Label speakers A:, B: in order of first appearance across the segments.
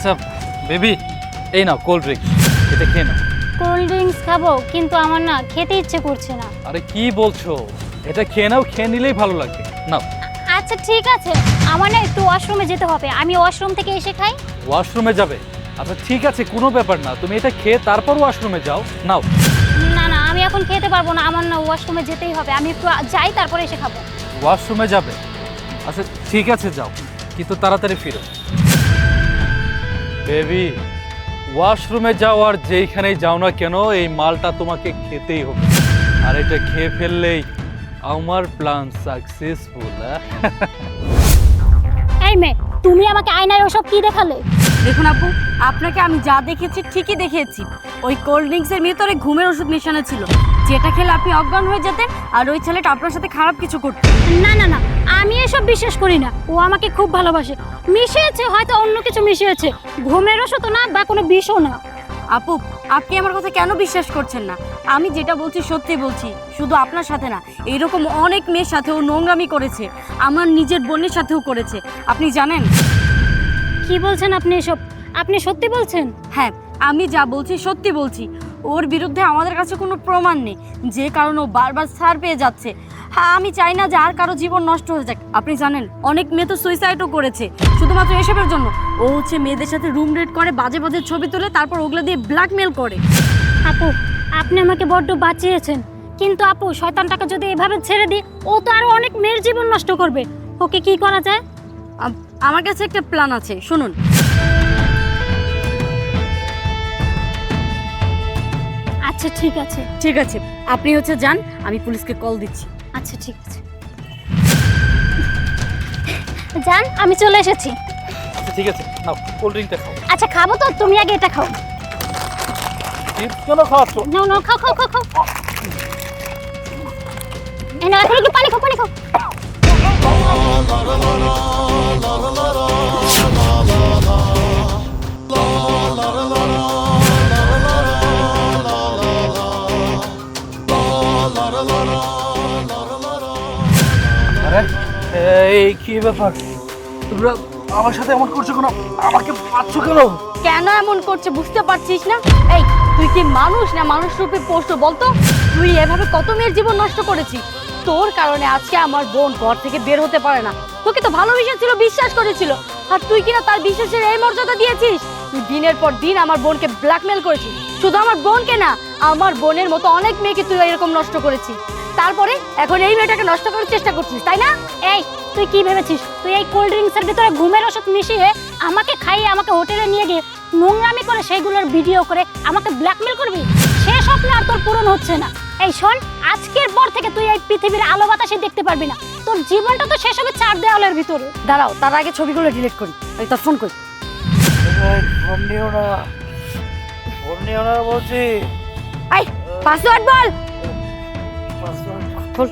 A: আচ্ছা বেবি, এই নাও cold drinks, এটা খেয়ে নাও।
B: কোল্ড ড্রিঙ্কস খাবো, কিন্তু আমার না খেতে ইচ্ছে করছে না।
A: আরে কি বলছো, এটা খেয়ে নাও, খেয়ে নিলেই ভালো লাগবে। নাও।
B: আচ্ছা ঠিক আছে, আমার না একটু ওয়াশরুমে যেতে হবে, আমি ওয়াশরুম থেকে এসে খাই।
A: ওয়াশরুমে যাবে? আচ্ছা ঠিক আছে, কোনো ব্যাপার না, তুমি এটা খেয়ে তারপর ওয়াশরুমে যাও। নাও।
B: না না, আমি এখন খেতে পারবো না, আমার না ওয়াশরুমে যেতেই হবে, আমি একটু যাই তারপরে এসে খাবো।
A: ওয়াশরুমে যাবে? আচ্ছা ঠিক আছে যাও, কিন্তু তাড়াতাড়ি ফিরো। বেবি, ওয়াশরুমে যাও আর যেইখানেই যাও না কেন, এই মালটা তোমাকে খেতেই হবে। আর এটা খেয়ে ফেললেই আমার প্ল্যান সাকসেসফুল।
B: এই মেয়ে, তুমি আমাকে আয়নায় ওসব কি দেখালে?
C: দেখুন আপু, আপনাকে আমি যা দেখেছি ঠিকই দেখিয়েছি। ওই কোল্ড ড্রিঙ্কসের ভিতরে ঘুমের ওষুধ মেশানো ছিল, যেটা খেলে আপনি অজ্ঞান হয়ে যেতেন আর ওই ছেলেটা আপনার সাথে খারাপ কিছু করত।
B: না না না, আমি এসব বিশ্বাস করি না, ও আমাকে খুব ভালোবাসে। মিশিয়েছে হয়তো, অন্য কিছু মিশিয়েছে, ঘুমের ওষুধ না বা কোনো বিষও না।
C: আপু, আপনি আমার কথা কেন বিশ্বাস করছেন না? আমি যেটা বলছি সত্যি বলছি, শুধু আপনার সাথে না, এইরকম অনেক মেয়ের সাথেও নোংরামি করেছে, আমার নিজের বোনের সাথেও করেছে, আপনি জানেন?
B: কি বলছেন আপনি এসব? আপনি সত্যি বলছেন?
C: হ্যাঁ, আমি যা বলছি সত্যি বলছি। ওর বিরুদ্ধে আমাদের কাছে কোনো প্রমাণ নেই, যে কারণে ও বারবার ছাড় পেয়ে যাচ্ছে। হ্যাঁ, আমি চাই না যে আর কারো জীবন নষ্ট হয়ে যাক। আপনি জানেন, অনেক মেয়ে তো সুইসাইডও করেছে শুধুমাত্র এসবের জন্য। ও হচ্ছে মেয়েদের সাথে রুম রেট করে, বাজে বাজে ছবি তোলে, তারপর ওগুলো দিয়ে ব্ল্যাকমেল করে।
B: আপু, আপনি আমাকে বড্ড বাঁচিয়েছেন, কিন্তু আপু শয়তানটাকে যদি এভাবে ছেড়ে দিই, ও তো আরো অনেক মেয়ের জীবন নষ্ট করবে। ওকে কি করা যায়?
C: আমার কাছে একটা প্ল্যান আছে, শুনুন।
B: আচ্ছা ঠিক আছে।
C: ঠিক আছে, আপনি হচ্ছে যান, আমি পুলিশকে কল দিচ্ছি।
B: আচ্ছা ঠিক আছে, জান আমি চলে এসেছি।
A: আচ্ছা ঠিক আছে, নাও কোল্ড ড্রিঙ্কটা খাও।
B: আচ্ছা খাবো তো, তুমি আগে এটা খাও।
A: কেন খাওয়াচ্ছ?
B: নাও নাও, খাও খাও খাও খাও। এই নাও, এখন একটু পানি খাও, পানি খাও।
A: আরে এই কি ব্যাপার, তোমরা আমার সাথে এমন করছো কেন? আমাকে পাচ্ছ কেন?
C: কেন এমন করছে বুঝতে পারছিস না? এই, তুই কি মানুষ না মানুষ রূপে পশু বলতো? তুই এভাবে কত মেয়ের জীবন নষ্ট করেছিস। তোর কারণে আজকে আমার বোন ঘর থেকে বের হতে পারে না। তোকে তো ভালোবেসেছিল, বিশ্বাস করেছিল, আর তুই কিনা তার বিশ্বাসের এই মর্যাদা দিয়েছিস। তুই দিনের পর দিন আমার বোনকে ব্ল্যাকমেল করেছিস। শুধু আমার বোনকে না, আমার বোনের মতো অনেক মেয়েকে তুই এরকম নষ্ট করেছিস। তারপরে এখন এই মেয়েটাকে নষ্ট করার চেষ্টা করছিস, তাই না?
B: এই তুই কি ভেবেছিস, তুই এই কোল্ড ড্রিঙ্কসের ভিতরে ঘুমের ওষুধ মিশিয়ে আমাকে খাইয়ে আমাকে হোটেলে নিয়ে গিয়ে নোংরামি করে সেইগুলোর ভিডিও করে আমাকে ব্ল্যাকমেল করবি? সে স্বপ্ন আর তোর পূরণ হচ্ছে না। এই শোন, আজকের পর থেকে তুই এই পৃথিবীর আলো বাতাসে দেখতে পারবি না, তোর জীবনটা তো শেষ হবে চার দেওয়ালের ভিতরে।
C: দাঁড়াও, তার আগে ছবিগুলো ডিলিট করি। ওই তোর ফোন করি।
A: ফোন নিও না, ফোন নিও না বলছি।
C: এই পাসওয়ার্ড বল। খোল।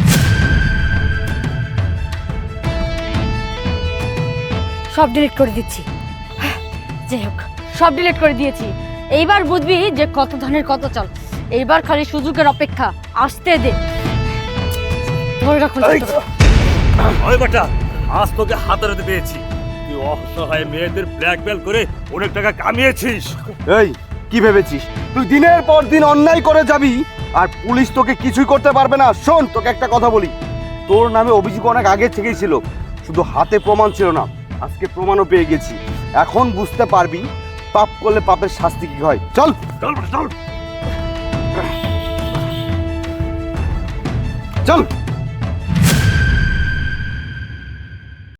C: সব ডিলিট করে দিচ্ছি। যাই হোক, সব ডিলিট করে দিয়েছি। এইবার বুঝবি যে কত ধানের কত চাল। এইবার খালি সুযোগের অপেক্ষা, আসতে দে। ধরে রাখুন।
D: ওই বেটা, আজ তোকে হাতে পেয়েছি। তুই অসহায় মেয়েদের ব্ল্যাকমেল করে অনেক টাকা কামিয়েছিস।
E: এই কি ভেবেছিস তুই দিনের পর দিন অন্যায় করে যাবি আর পুলিশ তোকে কিছুই করতে পারবে না? শোন, তোকে একটা কথা বলি, তোর নামে অভিযোগ অনেক আগে থেকেই ছিল, শুধু হাতে প্রমাণ ছিল না। আজকে প্রমাণও পেয়ে গেছি, এখন বুঝতে পারবি পাপ করলে পাপের শাস্তি কি হয়। চল
D: চল বেটা, চল।
E: চল।